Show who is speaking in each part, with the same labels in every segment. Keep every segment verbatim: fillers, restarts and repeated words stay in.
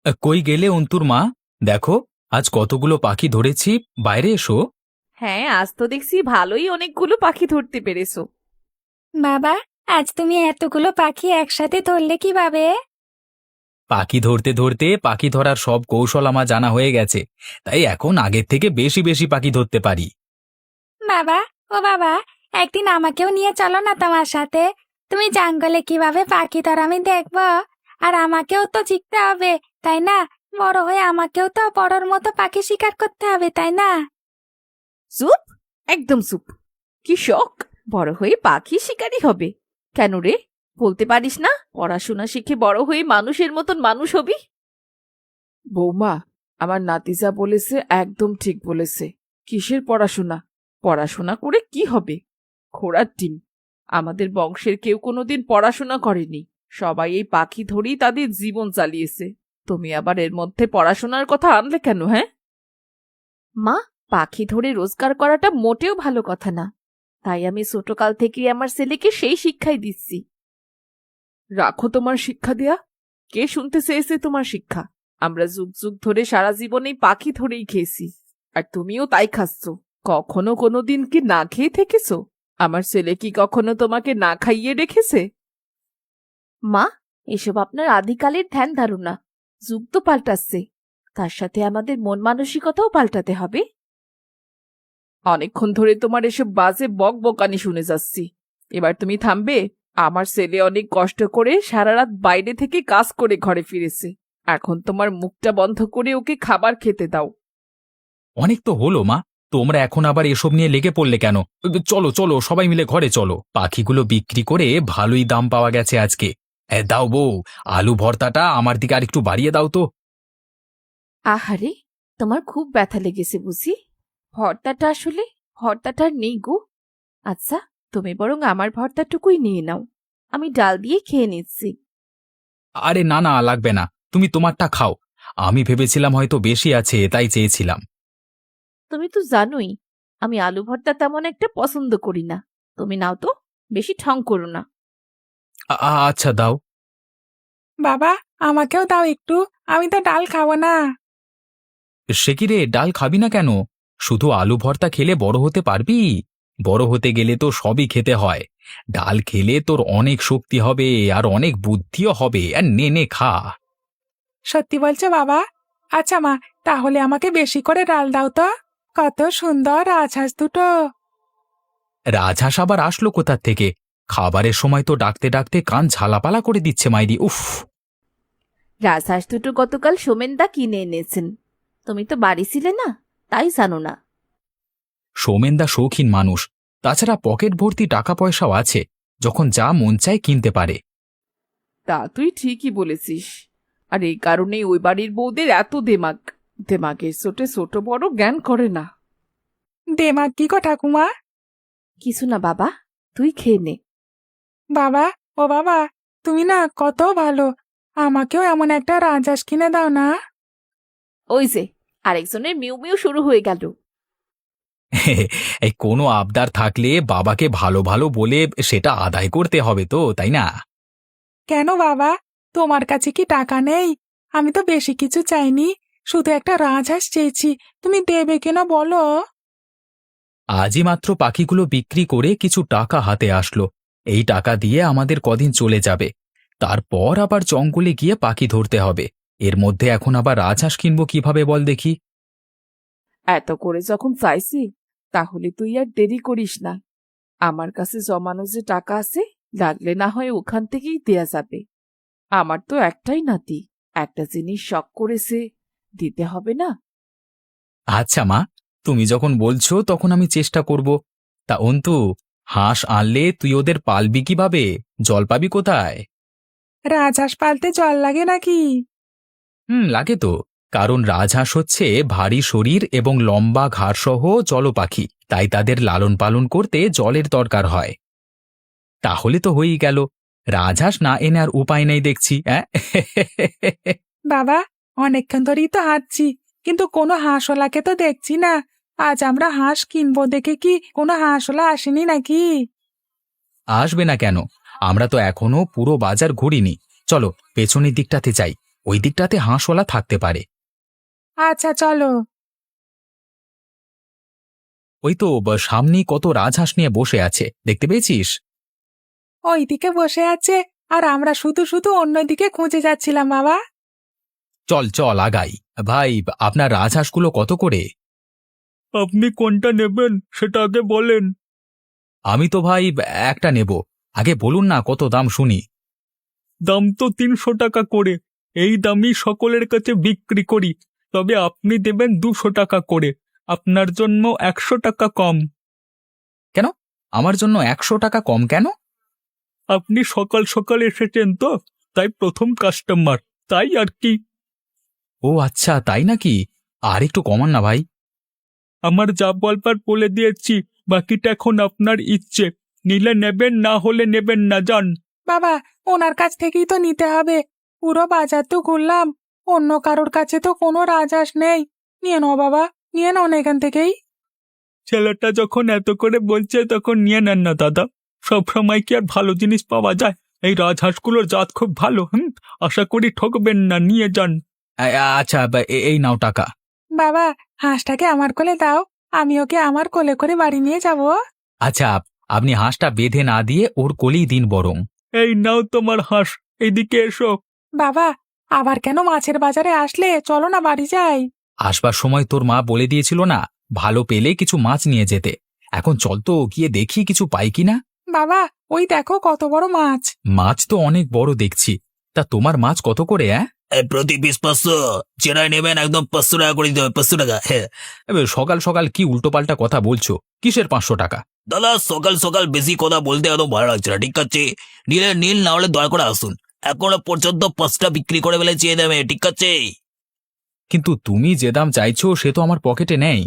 Speaker 1: আ, কই গেলে অন্তুর মা? দেখো, আজ কতগুলো পাখি ধরেছি। বাইরে এসো।
Speaker 2: হ্যাঁ, আজ তো দেখছি ভালোই অনেকগুলো পাখি ধরতে পেরেছো।
Speaker 3: বাবা, আজ তুমি এতগুলো পাখি একসাথে ধরলে কিভাবে?
Speaker 1: পাখি ধরতে ধরতে পাখি ধরার সব কৌশল আমার জানা হয়ে গেছে, তাই এখন আগের থেকে বেশি বেশি পাখি ধরতে পারি।
Speaker 3: বাবা, ও বাবা, একদিন আমাকেও নিয়ে চলো না তোমার সাথে। তুমি জঙ্গলে কিভাবে পাখি ধর আমি দেখবো। আর আমাকেও তো শিখতে হবে, তাই না? বড় হয়ে আমাকেও তো বড়র মতো পাখি শিকার করতে হবে, তাই না?
Speaker 2: চুপ, একদম চুপ। কি শখ বড় হয়ে পাখি শিকারী হবে? কেন রে, বলতে পারিস না পড়াশোনা শিখে বড় হয়ে মানুষের মতন মানুষ হবি?
Speaker 4: বৌমা, আমার নাতিজা বলেছে, একদম ঠিক বলেছে। কিসের পড়াশোনা? পড়াশোনা করে কি হবে? ঘোড়ার ডিম। আমাদের বংশের কেউ কোনোদিন পড়াশোনা করেনি, সবাই এই পাখি ধরেই তাদের জীবন চালিয়েছে। তুমি আবার এর মধ্যে পড়াশোনার কথা আনলে কেন? হ্যাঁ
Speaker 2: মা, পাখি ধরে রোজগার করাটা মোটেও ভালো কথা না। তাই আমি ছোটকাল থেকেই আমার ছেলেকে সেই শিক্ষাই দিচ্ছি।
Speaker 4: রাখো তোমার শিক্ষা দেয়া। কে শুনতে চেয়েছে তোমার শিক্ষা? আমরা যুগ যুগ ধরে সারা জীবনেই পাখি ধরেই খেয়েছি, আর তুমিও তাই খাচ্ছ। কখনো কোনোদিন কি না খেয়ে থেকেছো? আমার ছেলে কি কখনো তোমাকে না খাইয়ে রেখেছে?
Speaker 2: মা, এসব আপনার আদিকালের ধ্যান ধারণা। যুগ তো পাল্টাচ্ছে, তার সাথে আমাদের মন মানসিকতাও পাল্টাতে হবে।
Speaker 4: অনেকক্ষণ ধরে তোমার এসব বাজে বক বকানি শুনে যাচ্ছি। এবার তুমি থামবে? আমার ছেলে অনেক কষ্ট করে সারা রাত বাইরে থেকে কাজ করে ঘরে ফিরেছে। এখন তোমার মুখটা বন্ধ করে ওকে খাবার খেতে দাও।
Speaker 1: অনেক তো হলো মা, তোমরা এখন আবার এসব নিয়ে লেগে পড়লে কেন? চলো চলো, সবাই মিলে ঘরে চলো। পাখিগুলো বিক্রি করে ভালোই দাম পাওয়া গেছে আজকে। এ, দাও বউ, আলু ভর্তাটা আমার দিকে আরেকটু বাড়িয়ে দাও তো।
Speaker 2: আহারে, তোমার খুব ব্যথা লেগেছে বুঝি? ভর্তাটা আসলে ভর্তাটা আর নেই গো। আচ্ছা, তুমি বরং আমার ভর্তাটুকুই নিয়ে নাও, আমি ডাল দিয়ে খেয়ে নিচ্ছি।
Speaker 1: আরে না না, লাগবে না, তুমি তোমারটা খাও। আমি ভেবেছিলাম হয়তো বেশি আছে, তাই চেয়েছিলাম।
Speaker 2: তুমি তো জানোই আমি আলু ভর্তা তেমন একটা পছন্দ করি না। তুমি নাও তো, বেশি ঠং করো না।
Speaker 1: আ- আ- আচ্ছা দাও।
Speaker 3: বাবা, আমাকেও দাও একটু। আমি তো ডাল খাবো না।
Speaker 1: সে কি রে, ডাল খাবি না কেন? শুধু আলু ভর্তা খেলে বড় হতে পারবি? বড় হতে গেলে তো সবই খেতে হয়। ডাল খেলে তোর অনেক শক্তি হবে, আর অনেক বুদ্ধিও হবে। আর নে নে খা।
Speaker 3: সত্যি বলছো বাবা? আচ্ছা মা, তাহলে আমাকে বেশি করে ডাল দাও তো। কত সুন্দর রাজহাঁস দুটো।
Speaker 1: রাজহাঁস আবার আসলো কোথার থেকে? খাবারের সময় তো ডাকতে ডাকতে কান ঝালাপালা করে দিচ্ছে মাইরি, উফ।
Speaker 2: রাজহাঁস দুটো গতকাল সোমেনদা কিনে এনেছেন। তুমি তো বাড়ি ছিলে না, তাই জানো না।
Speaker 1: সৌমেনদা শৌখিন মানুষ, তাছাড়া পকেট ভর্তি টাকা পয়সাও আছে, যখন যা মন চায় কিনতে পারে।
Speaker 4: তা তুই ঠিকই বলেছিস। আর এই কারণেই ওই বাড়ির বউদের এত দেমাগ। দেমাগের চোটে ছোট বড় জ্ঞান করে না।
Speaker 3: দেমাগ কি গো ঠাকুমা?
Speaker 2: কিছু না বাবা, তুই খেয়ে নে।
Speaker 3: বাবা, ও বাবা, তুমি না কত ভালো। আমাকেও এমন একটা রাজহাঁস কিনে দাও না।
Speaker 2: ওই যে, আরেকজনের মিউ মিউ শুরু হয়ে গেল।
Speaker 1: এই কোনো আবদার থাকলে বাবাকে ভালো ভালো বলে সেটা আদায় করতে হবে তো, তাই না?
Speaker 3: কেন বাবা, তোমার কাছে কি টাকা নেই? আমি তো বেশি কিছু চাইনি, শুধু একটা রাজহাঁস চেয়েছি। তুমি দেবে কিনা বলো?
Speaker 1: আজই মাত্র পাখিগুলো বিক্রি করে কিছু টাকা হাতে আসলো। এই টাকা দিয়ে আমাদের কদিন চলে যাবে। তারপর আবার জঙ্গলে গিয়ে পাখি ধরতে হবে। এর মধ্যে এখন আবার রাজহাঁস কিনবো কিভাবে বল দেখি?
Speaker 4: এত করে যখন চাইছি, তাহলে তুই আর দেরি করিস না। আমার কাছে জমানো যে টাকা আছে, লাগলে না হয় ওখান থেকেই দেয়া যাবে। আমার তো একটাই নাতি, একটা জিনিস শখ করেছে, দিতে হবে না?
Speaker 1: আচ্ছা মা, তুমি যখন বলছো তখন আমি চেষ্টা করব। তা অন্তু, হাঁস আনলে তুই ওদের পালবি কিভাবে? জল পাবি কোথায়?
Speaker 3: রাজহাঁস পালতে জল লাগে নাকি?
Speaker 1: হুম, লাগে তো। কারণ রাজহাঁস হচ্ছে ভারী শরীর এবং লম্বা ঘাড়সহ জলপাখি, তাই তাদের লালন পালন করতে জলের দরকার হয়। তাহলে তো হয়েই গেল। রাজহাঁস না এনে আর উপায় নেই দেখছি, অ্যাঁ?
Speaker 3: বাবা, অনেকক্ষণ ধরেই তো হাঁটছি, কিন্তু কোনো হাঁসওয়ালাকে তো দেখছি না। আজ আমরা হাঁস কিনবো দেখে কি কোনো হাঁসওয়ালা আসেনি নাকি?
Speaker 1: আসবে না কেন? আমরা তো এখনো পুরো বাজার ঘুরিনি। চলো পেছনের দিকটাতে যাই। ওই দিকটাতে হাঁসওয়ালা থাকতে পারে।
Speaker 3: আচ্ছা চলো।
Speaker 1: ওই তো ব- সামনেই কত রাজহাঁস নিয়ে বসে আছে, দেখতে পেয়েছিস?
Speaker 3: ওইদিকে বসে আছে আর আমরা শুধু শুধু অন্যদিকে খুঁজে যাচ্ছিলাম বাবা।
Speaker 1: চল চল আগাই। ভাই, আপনার রাজহাঁসগুলো কত করে?
Speaker 5: আপনি কোনটা নেবেন সেটা আগে বলেন।
Speaker 1: আমি তো ভাই একটা নেব। আগে বলুন না কত দাম শুনি।
Speaker 5: দাম তো তিনশো টাকা করে, এই দামই সকলের কাছে বিক্রি করি, তবে আপনি দেবেন দুশো টাকা করে, আপনার জন্য একশো টাকা কম।
Speaker 1: কেন? আমার জন্য একশো টাকা কম কেন?
Speaker 5: আপনি সকাল সকাল এসেছেন তো, তাই প্রথম কাস্টমার, তাই আর কি।
Speaker 1: ও আচ্ছা, তাই নাকি? আর একটু কমান না ভাই।
Speaker 5: আমার যা বলবার বলে দিয়েছি, বাকিটা এখন আপনার ইচ্ছে, নিলে নেবেন, না হলে নেবেন না, যান।
Speaker 3: বাবা, ওনার কাছ থেকেই তো নিতে হবে। পুরো বাজার তো ঘুরলাম, অন্য কারোর কাছে তো কোনো রাজহাঁস নেই। নিয়ে নাও বাবা, নিয়ে নাও না এখান থেকেই।
Speaker 5: ছেলেটা যখন এত করে বলছে তখন নিয়ে নেন না দাদা, সব সময় কি আর ভালো জিনিস পাওয়া যায়? এই রাজহাঁসগুলোর জাত খুব ভালো, হুম, আশা করি ঠকবেন না, নিয়ে যান।
Speaker 1: আ- আচ্ছা, বা- এ- এই নাও টাকা।
Speaker 3: বাবা, হাঁসটাকে আমার কোলে দাও, আমি ওকে আমার কোলে করে বাড়ি নিয়ে যাব।
Speaker 1: আচ্ছা, আপনি হাঁসটা বেঁধে না দিয়ে ওর কোলেই দিন বরং।
Speaker 5: এই নাও তোমার হাঁস, এইদিকে এসো।
Speaker 3: বাবা, আবার কেন মাছের বাজারে আসলে? চলো না বাড়ি যাই।
Speaker 1: আসবার সময় তোর মা বলে দিয়েছিল না, ভালো পেলে কিছু মাছ নিয়ে যেতে। এখন চল তো গিয়ে দেখি কিছু পাই কিনা।
Speaker 3: বাবা, ওই দেখো কত বড় মাছ।
Speaker 1: মাছ তো অনেক বড় দেখছি। তা তোমার মাছ কত করে? হ্যাঁ,
Speaker 6: প্রতি পিস পাঁচশো, চেনাই নেবেন একদম পাঁচশো টাকা করে দিতে হবে, পাঁচশো টাকা। হ্যাঁ
Speaker 1: এবার সকাল সকাল কি উল্টোপাল্টা কথা বলছো? কিসের পাঁচশো টাকা?
Speaker 6: দাদা, সকাল সকাল বেশি কথা বলতে একদম ভালো লাগছে না, ঠিক আছে? নিলে নীল, না হলে দয়া করে আসুন, এখনো পর্যন্ত পাঁচটা বিক্রি করে ফেলে চেয়ে দেবে, ঠিক আছে?
Speaker 1: কিন্তু তুমি যে দাম চাইছো সে তো আমার পকেটে নেই।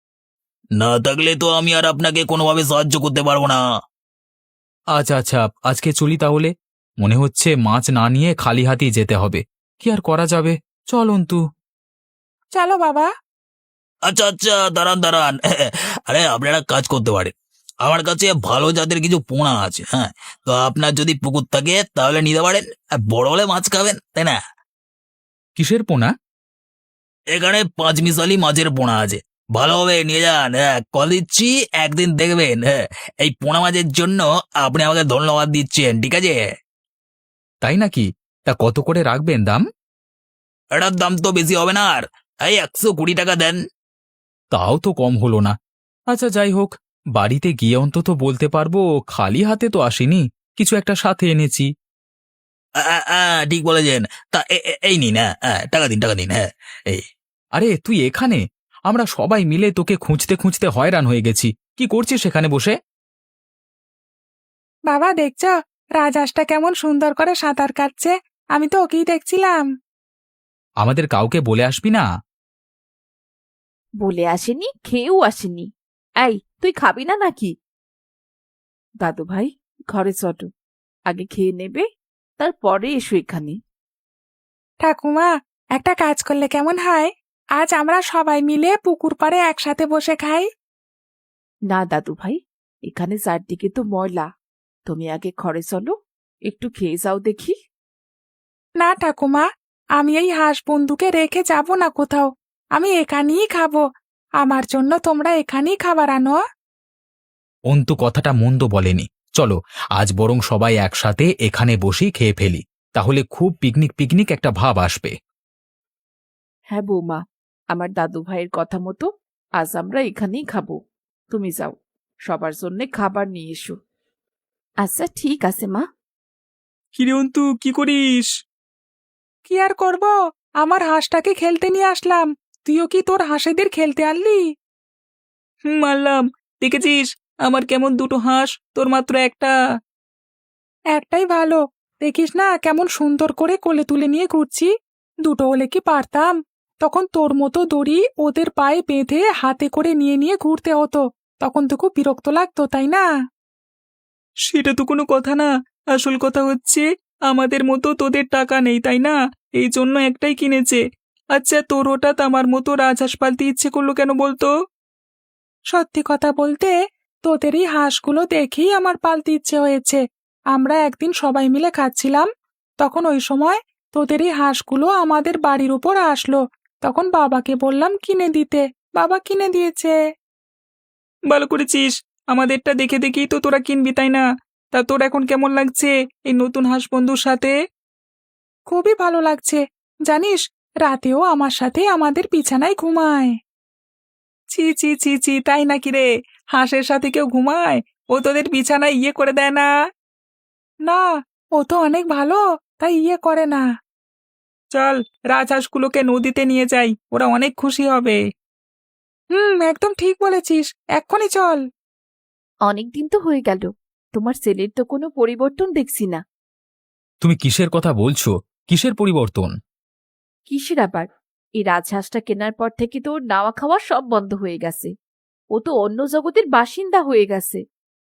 Speaker 6: না থাকলে তো আমি আর আপনাকে কোনোভাবে সাহায্য করতে পারবো না।
Speaker 1: আচ্ছা আচ্ছা, আজকে চলি তাহলে। মনে হচ্ছে মাছ না নিয়ে খালি হাতেই যেতে হবে। কি আর করা যাবে, চল অন্তু।
Speaker 3: চলো বাবা।
Speaker 6: আচ্ছা আচ্ছা, দাঁড়ান দাঁড়ান, আরে আপনারা কাজ করতে পারেন, আমার কাছে ভালো জাতের কিছু পোনা আছে, হ্যাঁ, তো আপনার যদি পুকুর থাকে তাহলে নিতে পারেন, আর বড় হলে মাছ খাবেন, তাই না?
Speaker 1: কিসের পোনা?
Speaker 6: এখানে পাঁচ মিশালি মাছের পোনা আছে, ভালো হবে, নিয়ে যান। হ্যাঁ, কল দিচ্ছি, একদিন দেখবেন, হ্যাঁ, এই পোনা মাছের জন্য আপনি আমাকে ধন্যবাদ দিচ্ছেন, ঠিক আছে?
Speaker 1: তাই নাকি? তা কত করে রাখবেন দাম?
Speaker 6: এটার দাম তো বেশি হবে না, আর এই একশো কুড়ি টাকা দেন।
Speaker 1: তাও তো কম হলো না। আচ্ছা যাই হোক, বাড়িতে গিয়ে অন্তত বলতে পারবো খালি হাতে তো আসিনি, কিছু একটা সাথে এনেছি।
Speaker 6: আ, আ, আ, ঠিক বলেছেন। তা এ- এ- এই নিন, হ্যাঁ, হ্যাঁ, টাকা দিন, টাকা দিন, হ্যাঁ, এই।
Speaker 1: আরে তুই এখানে? আমরা সবাই মিলে তোকে খুঁজতে খুঁজতে হয়রান হয়ে গেছি। কি করছিস সেখানে বসে?
Speaker 3: বাবা, দেখছো রাজহাঁসটা কেমন সুন্দর করে সাঁতার কাটছে? আমি তো ওকেই দেখছিলাম।
Speaker 1: আমাদের কাউকে বলে আসবি না?
Speaker 2: বলে আসেনি, খেয়েও আসেনি। এই, তুই খাবি না নাকি? দাদু ভাই, ঘরে চটো, আগে খেয়ে নেবে, তারপরে এসো এখানে।
Speaker 3: ঠাকুমা, একটা কাজ করলে কেমন হয়? আজ আমরা সবাই মিলে পুকুর পাড়ে একসাথে বসে খাই।
Speaker 2: না দাদু ভাই, এখানে চারদিকে তো ময়লা, তুমি আগে ঘরে চলো, একটু খেয়ে যাও দেখি।
Speaker 3: না ঠাকুমা, আমি এই হাঁস বন্ধুকে রেখে যাব না কোথাও, আমি এখানেই খাবো। আমার জন্য তোমরা এখানেই খাবার আনো।
Speaker 1: অন্তু কথাটা মন্দ বলেনি। চলো আজ বরং সবাই একসাথে এখানে বসেই খেয়ে ফেলি, তাহলে খুব পিকনিক পিকনিক একটা ভাব আসবে।
Speaker 2: হ্যাঁ বৌমা, আমার দাদু ভাইয়ের কথা মতো আজ আমরা এখানেই খাবো। তুমি যাও, সবার জন্য খাবার নিয়ে এসো। আচ্ছা ঠিক আছে মা।
Speaker 5: কিরে অন্তু, কি করিস?
Speaker 3: কি আর করব, আমার হাঁসটাকে খেলতে নিয়ে আসলাম। তুইও কি তোর হাঁসেদের খেলতে আনলি?
Speaker 5: হুম, মারলাম। দেখেছিস আমার কেমন দুটো হাঁস, তোর মাত্র একটা।
Speaker 3: একটাই ভালো, দেখিস না কেমন সুন্দর করে কোলে তুলে নিয়ে ঘুরছি। দুটো হলে কি পারতাম, তখন তোর মতো দড়ি ওদের পায়ে বেঁধে হাতে করে নিয়ে নিয়ে ঘুরতে হতো, তখন তো খুব বিরক্ত লাগতো, তাই না?
Speaker 5: সেটা তো কোনো কথা না, আসল কথা হচ্ছে আমাদের মতো তোদের টাকা নেই, তাই না? এই জন্য একটাই কিনেছে। আচ্ছা, তোর হঠাৎ আমার মতো রাজহাঁস পালতে ইচ্ছে করলো কেন বলতো?
Speaker 3: সত্যি কথা বলতে, তোদের এই হাঁসগুলো দেখেই আমার পালতে ইচ্ছে হয়েছে। আমরা একদিন সবাই মিলে খাচ্ছিলাম, তখন ওই সময়
Speaker 5: তোদের এই হাঁসগুলো আমাদের বাড়ির উপর আসলো, তখন বাবাকে বললাম কিনে দিতে, বাবা কিনে দিয়েছে। ভালো করেছিস, আমাদেরটা দেখে দেখেই তো তোরা কিনবি তাই না? তা তোর এখন কেমন লাগছে এই নতুন হাঁস বন্ধুর সাথে? খুবই ভালো লাগছে, জানিস রাতেও আমার সাথে আমাদের বিছানায় ঘুমায়। ছি ছি ছি ছি, তাই নাকি রে? হাঁসের সাথে কেউ ঘুমায়? ও তোদের বিছানায় ইয়ে করে দেয় না? না, ও তো অনেক ভালো, তাই ইয়ে করে না। চল, রাজহাঁসগুলোকে নদীতে নিয়ে যাই, ওরা অনেক খুশি হবে। হুম, একদম ঠিক বলেছিস, এক্ষুনি চল।
Speaker 2: অনেক দিন তো হয়ে গেল, তোমার ছেলের তো কোনো পরিবর্তন দেখছি না।
Speaker 1: তুমি কিসের কথা বলছো? কিসের পরিবর্তন?
Speaker 2: কিসের আবার? এই রাজহাঁসটা কেনার পর থেকে তো ওর নাওয়া খাওয়া সব বন্ধ হয়ে গেছে। ও তো অন্য জগতের বাসিন্দা হয়ে গেছে।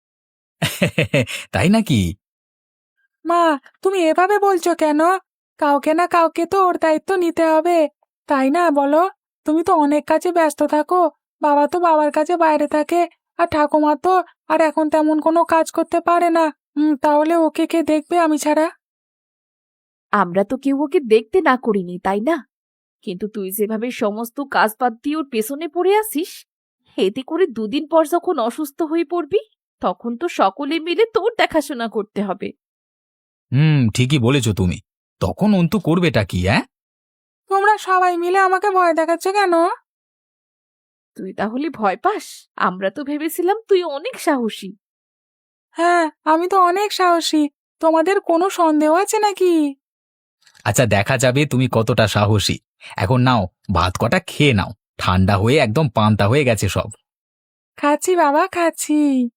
Speaker 1: তাই নাকি?
Speaker 5: মা, তুমি এভাবে বলছো কেন? কাউকে না কাউকে তো ওর দায়িত্ব নিতে হবে, তাই না বলো? তুমি তো অনেক কাজে ব্যস্ত থাকো, বাবা তো বাবার কাছে বাইরে থাকে, আর ঠাকুমা তো আর এখন তেমন কোনো কাজ করতে পারে না। হুম, তাহলে ওকে কে দেখবে আমি ছাড়া?
Speaker 2: আমরা তো কেউ ওকে দেখতে না করিনি, তাই না? কিন্তু তুই যেভাবে সমস্ত কাজ বাদ দিয়ে ওর পেছনে পড়ে আসিস, এতে করে দুদিন পর যখন অসুস্থ হয়ে পড়বি, তখন তো সকলে মিলে তোর দেখাশোনা করতে হবে।
Speaker 1: হুম, ঠিকই বলেছো তুমি। তখন অন্তু করবেটা কি, হ্যাঁ?
Speaker 5: তোমরা সবাই মিলে আমাকে ভয় দেখাচ্ছ কেন?
Speaker 2: তুই তাহলে ভয় পাস? আমরা তো ভেবেছিলাম তুই অনেক সাহসী।
Speaker 5: হ্যাঁ, আমি তো অনেক সাহসী, তোমাদের কোনো সন্দেহ আছে নাকি?
Speaker 1: আচ্ছা, দেখা যাবে তুমি কতটা সাহসী। এখন নাও, ভাত কটা খেয়ে নাও, ঠান্ডা হয়ে একদম পান্তা হয়ে গেছে সব।
Speaker 5: খাচ্ছি বাবা, খাচ্ছি।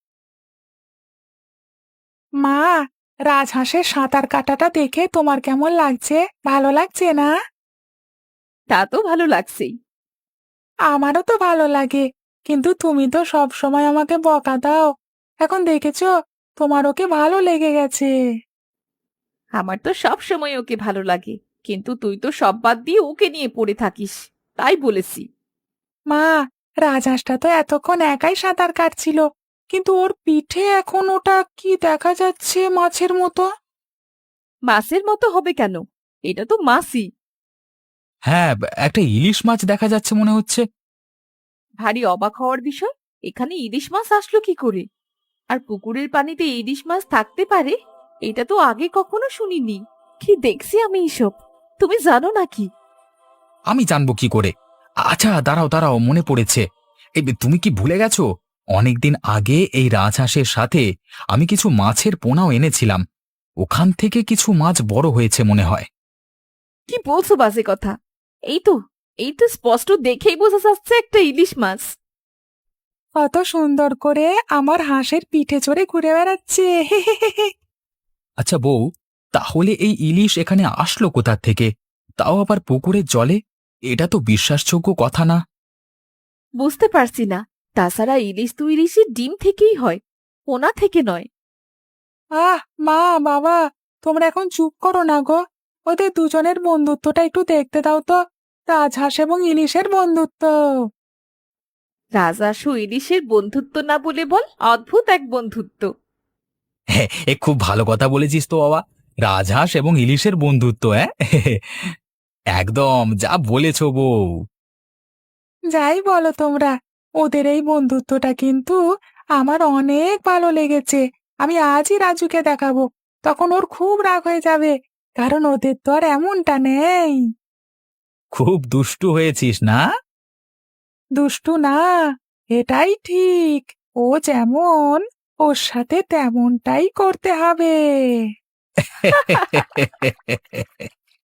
Speaker 5: মা, রাজহাঁসের সাঁতার কাটাটা দেখে তোমার কেমন লাগছে? ভালো লাগছে না?
Speaker 2: তা তো ভালো লাগছেই।
Speaker 5: আমারও তো ভালো লাগে, কিন্তু তুমি তো সব সময় আমাকে বকা দাও। এখন দেখেছো, তোমার ওকে ভালো লেগে গেছে।
Speaker 2: আমার তো সব সময় ওকে ভালো লাগে, কিন্তু তুই তো সব বাদ দিয়ে ওকে নিয়ে পড়ে থাকিস, তাই বলেছি।
Speaker 5: মা, রাজহাঁসটা তো এতক্ষণ একাই সাঁতার কাটছিল, কিন্তু ওর পিঠে এখন ওটা কি দেখা যাচ্ছে, মাছের মতো।
Speaker 2: মাছের মতো হবে কেন? এটা তো মাছই।
Speaker 1: হ্যাঁ, একটা ইলিশ মাছ দেখা যাচ্ছে মনে হচ্ছে।
Speaker 2: ভারী অবাক হওয়ার বিষয়, এখানে ইলিশ মাছ আসলো কি করে? আর পুকুরের পানিতে ইলিশ মাছ থাকতে পারে, এটা তো আগে কখনো শুনিনি। কি দেখছি আমি এসব, তুমি জানো নাকি?
Speaker 1: আমি জানবো কি করে? আচ্ছা, দাঁড়াও দাঁড়াও, মনে পড়েছে। এই তুমি কি ভুলে গেছো? অনেকদিন আগে এই রাজহাঁসের সাথে আমি কিছু মাছের পোনাও এনেছিলাম। ওখান থেকে কিছু মাছ বড় হয়েছে মনে হয়।
Speaker 2: কি বলছো বাজে কথা? এই তো, এই তো স্পষ্ট দেখেই বোঝা যাচ্ছে একটা ইলিশ মাছ।
Speaker 5: কত সুন্দর করে আমার হাঁসের পিঠে চড়ে ঘুরে বেড়াচ্ছে।
Speaker 1: আচ্ছা বউ, তাহলে এই ইলিশ এখানে আসলো কোথা থেকে? তাও আবার পুকুরের জলে? এটা তো বিশ্বাসযোগ্য কথা না।
Speaker 2: বুঝতে পারছি না। তাছাড়া ইলিশ তো ইলিশের ডিম থেকেই হয়, পোনা থেকে নয়।
Speaker 5: আহ মা, বাবা, তোমরা এখন চুপ করো না গো। ওদের দুজনের বন্ধুত্বটা একটু দেখতে দাও তো, রাজহাঁস এবং ইলিশের বন্ধুত্ব।
Speaker 2: রাজহাঁস ও ইলিশের বন্ধুত্ব না বলে বল অদ্ভুত এক বন্ধুত্ব।
Speaker 1: হ্যাঁ, এ খুব ভালো কথা বলেছিস তো বাবা। রাজহাঁস এবং ইলিশের বন্ধুত্ব, হ্যাঁ। একদম যা বলেছ বউ।
Speaker 5: যাই বলো তোমরা, ওদের এই বন্ধুত্বটা কিন্তু আমার অনেক ভালো লেগেছে। আমি আজই রাজুকে দেখাবো, তখন ওর খুব রাগ হয়ে যাবে, কারণ ওদের তো আর এমনটা নেই।
Speaker 1: খুব দুষ্টু হয়েছিস না?
Speaker 5: দুষ্টু না, এটাই ঠিক। ও যেমন, ওর সাথে তেমনটাই করতে হবে।